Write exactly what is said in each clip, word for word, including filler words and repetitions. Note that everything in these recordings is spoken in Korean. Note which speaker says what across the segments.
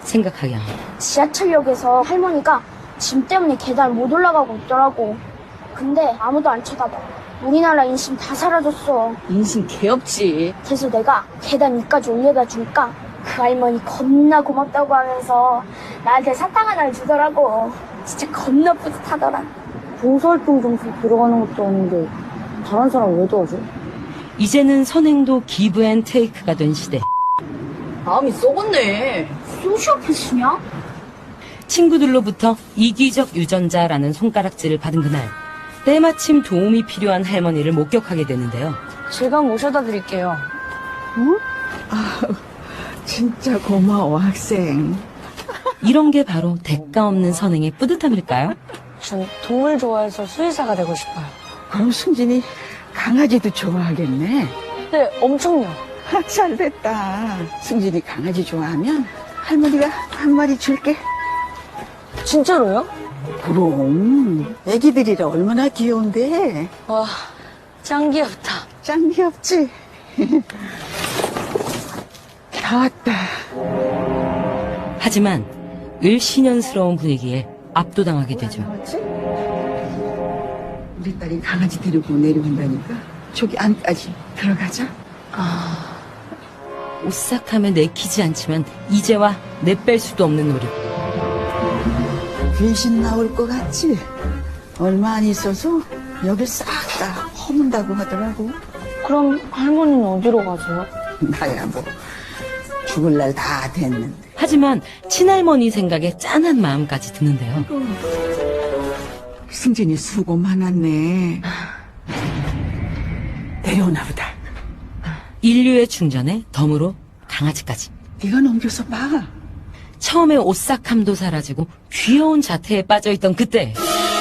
Speaker 1: 생각하게 합니다.
Speaker 2: 지하철역에서 할머니가 짐 때문에 계단 못 올라가고 있더라고. 근데 아무도 안 쳐다봐. 우리나라 인심 다 사라졌어.
Speaker 1: 인심 개없지.
Speaker 2: 그래서 내가 계단 위까지 올려다 주니까 그 할머니 겁나 고맙다고 하면서 나한테 사탕 하나를 주더라고. 진짜 겁나 뿌듯하더라.
Speaker 3: 봉사활동 점수 들어가는 것도 아닌데 다른 사람 왜 도와줘?
Speaker 1: 이제는 선행도 기브 앤 테이크가 된 시대.
Speaker 3: 마음이 썩었네.
Speaker 2: 소시오패스냐?
Speaker 1: 친구들로부터 이기적 유전자라는 손가락질을 받은 그날, 때마침 도움이 필요한 할머니를 목격하게 되는데요.
Speaker 3: 제가 모셔다 드릴게요.
Speaker 4: 진짜 고마워, 학생.
Speaker 1: 이런 게 바로 대가 없는 선행의 뿌듯함일까요?
Speaker 3: 전 동물 좋아해서 수의사가 되고 싶어요.
Speaker 4: 그럼 승진이 강아지도 좋아하겠네.
Speaker 3: 네, 엄청요.
Speaker 4: 아, 잘됐다. 승진이 강아지 좋아하면 할머니가 한 마리 줄게.
Speaker 3: 진짜로요?
Speaker 4: 그럼 애기들이라 얼마나 귀여운데.
Speaker 3: 와, 짱 귀엽다.
Speaker 4: 짱 귀엽지? 다 왔다.
Speaker 1: 하지만 을씨년스러운 분위기에 압도당하게 되죠.
Speaker 4: 나왔지? 우리 딸이 강아지 데리고 내려온다니까 저기 안까지 들어가자.
Speaker 1: 오싹하며 내키지 않지만 이제와 내뺄 수도 없는 노력.
Speaker 4: 귀신 나올 것 같지? 얼마 안 있어서 여길 싹 다 허문다고 하더라고.
Speaker 3: 그럼 할머니는 어디로 가세요?
Speaker 4: 나야 뭐 죽을 날 다 됐는데.
Speaker 1: 하지만 친할머니 생각에 짠한 마음까지 드는데요.
Speaker 4: 승진이 수고 많았네. 내려오나 보다.
Speaker 1: 인류의 충전에 덤으로 강아지까지.
Speaker 4: 네가 넘겨서 봐.
Speaker 1: 처음에 오싹함도 사라지고 귀여운 자태에 빠져있던 그때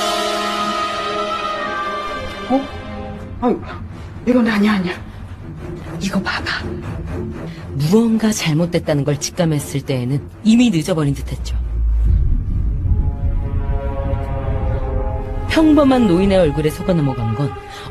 Speaker 4: 어? 아유, 이건 아니야 아니야. 이거 봐봐.
Speaker 1: 무언가 잘못됐다는 걸 직감했을 때에는 이미 늦어버린 듯했죠. 평범한 노인의 얼굴에 속아 넘어간 건